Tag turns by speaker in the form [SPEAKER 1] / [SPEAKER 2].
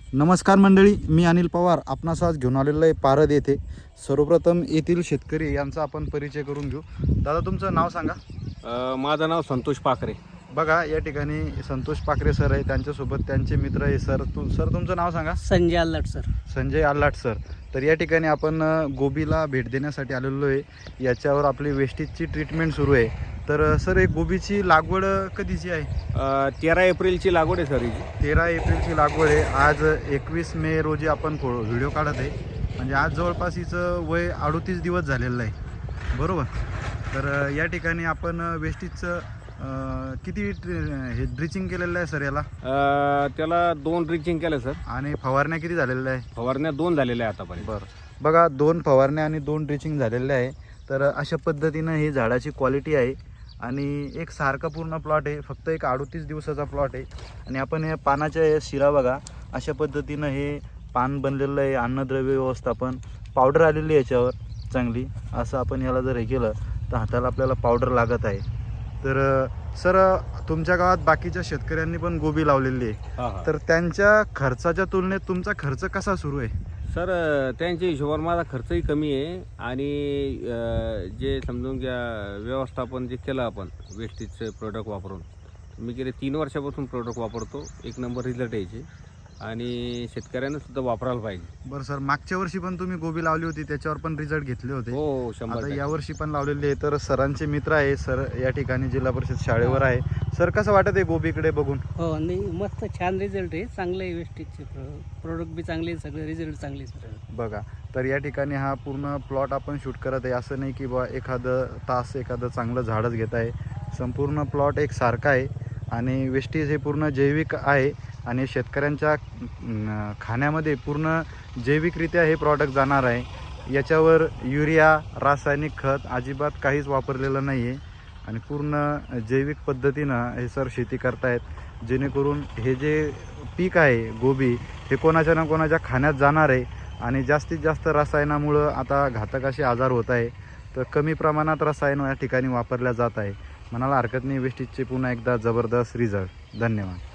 [SPEAKER 1] नमस्कार मंडळी, मी अनिल पवार आपणास आज घेऊन आलेलो आहे पारद येथे. सर्वप्रथम येथील शेतकरी यांचा आपण परिचय करून घेऊ. दादा, तुमचं नाव सांगा.
[SPEAKER 2] माझं नाव संतोष पाखरे.
[SPEAKER 1] बघा, या ठिकाणी संतोष पाखरे सर आहे, त्यांच्यासोबत त्यांचे मित्र आहे. सर तुमचं नाव सांगा.
[SPEAKER 3] संजय आल्हाट सर.
[SPEAKER 1] संजय आल्हाट सर. तर या ठिकाणी आपण गोबीला भेट देण्यासाठी आलेलो आहे. याच्यावर आपली वेस्टेजची ट्रीटमेंट सुरू आहे. तर सर, एक गोबीची लागवड कधीची आहे?
[SPEAKER 2] 13 एप्रिलची लागवड आहे सर हिची.
[SPEAKER 1] 13 एप्रिलची लागवड आहे. आज 21 मे रोजी आपण व्हिडिओ काढत आहे. म्हणजे आज जवळपास हिचं वय 38 दिवस झालेलं आहे, बरोबर. तर या ठिकाणी आपण वेस्टेजचं किती हे ड्रिचिंग केलेलं आहे सर याला?
[SPEAKER 2] त्याला 2 ड्रिचिंग केलं सर.
[SPEAKER 1] आणि फवारण्या किती झालेल्या आहे?
[SPEAKER 2] फवारण्या 2 झालेल्या आहे आतापर्यंत.
[SPEAKER 1] बरं, बघा, 2 फवारण्या आणि 2 ड्रिचिंग झालेल्या आहे. तर अशा पद्धतीनं ही झाडाची क्वालिटी आहे. आणि एक सारखा पूर्ण प्लॉट आहे, फक्त एक 38 दिवसाचा प्लॉट आहे. आणि आपण हे पानाच्या शिरा बघा, अशा पद्धतीनं हे पान बनलेलं आहे. अन्नद्रव्य व्यवस्थापन, पावडर आलेली आहे याच्यावर चांगली. असं आपण याला जर हे केलं तर हाताला आपल्याला पावडर लागत आहे. तर सर, तुमच्या गावात बाकीच्या शेतकऱ्यांनी पण गोबी लावलेली आहे. तर त्यांच्या खर्चाच्या तुलनेत तुमचा खर्च कसा सुरू आहे?
[SPEAKER 2] सर, त्यांच्या हिशोबावर माझा खर्चही कमी आहे. आणि जे समजून घ्या, व्यवस्थापन जे केलं आपण वेस्टेजचं प्रोडक्ट वापरून, मी गेले 3 वर्षापासून प्रोडक्ट वापरतो. 1 नंबर रिझल्ट यायचे. आणि शेतकऱ्यांना सुद्धा वापरायला पाहिजे.
[SPEAKER 1] बरं सर, मागच्या वर्षी पण तुम्ही गोबी लावली होती, त्याच्यावर पण रिझल्ट घेतले होते.
[SPEAKER 2] हो, 100%.
[SPEAKER 1] आता यावर्षी पण लावलेले आहे. तर सरांचे मित्र आहे सर, या ठिकाणी जिल्हा परिषद शाळेवर आहे. सर, कसं वाटत आहे गोबीकडे बघून?
[SPEAKER 3] हो, नाही, मस्त छान रिझल्ट आहे. चांगले आहे, वेस्टेजचे प्रोडक्ट बी चांगले, सगळे रिझल्ट चांगले सर.
[SPEAKER 1] बघा, तर या ठिकाणी हा पूर्ण प्लॉट आपण शूट करत आहे. असं नाही की बा एखादं तास एखादं चांगलं झाडच घेत आहे. संपूर्ण प्लॉट एक सारखा आहे. आणि वेस्टेज हे पूर्ण जैविक आहे. आणि शेतकऱ्यांच्या खाण्यामध्ये पूर्ण जैविकरित्या हे प्रॉडक्ट जाणार आहे. याच्यावर युरिया, रासायनिक खत अजिबात काहीच वापरलेलं नाही आहे. आणि पूर्ण जैविक पद्धतीनं हे सर शेती करतायत, जेणेकरून हे जे पीक आहे गोबी, हे कोणाच्या ना कोणाच्या खाण्यात जाणार आहे. आणि जास्तीत जास्त रसायनामुळं आता घातक असे आजार होत आहे. तर कमी प्रमाणात रसायन या ठिकाणी वापरल्या जात आहे. म्हणायला हरकत नाही. वेस्टेजचे पुन्हा एकदा जबरदस्त रिझल्ट. धन्यवाद.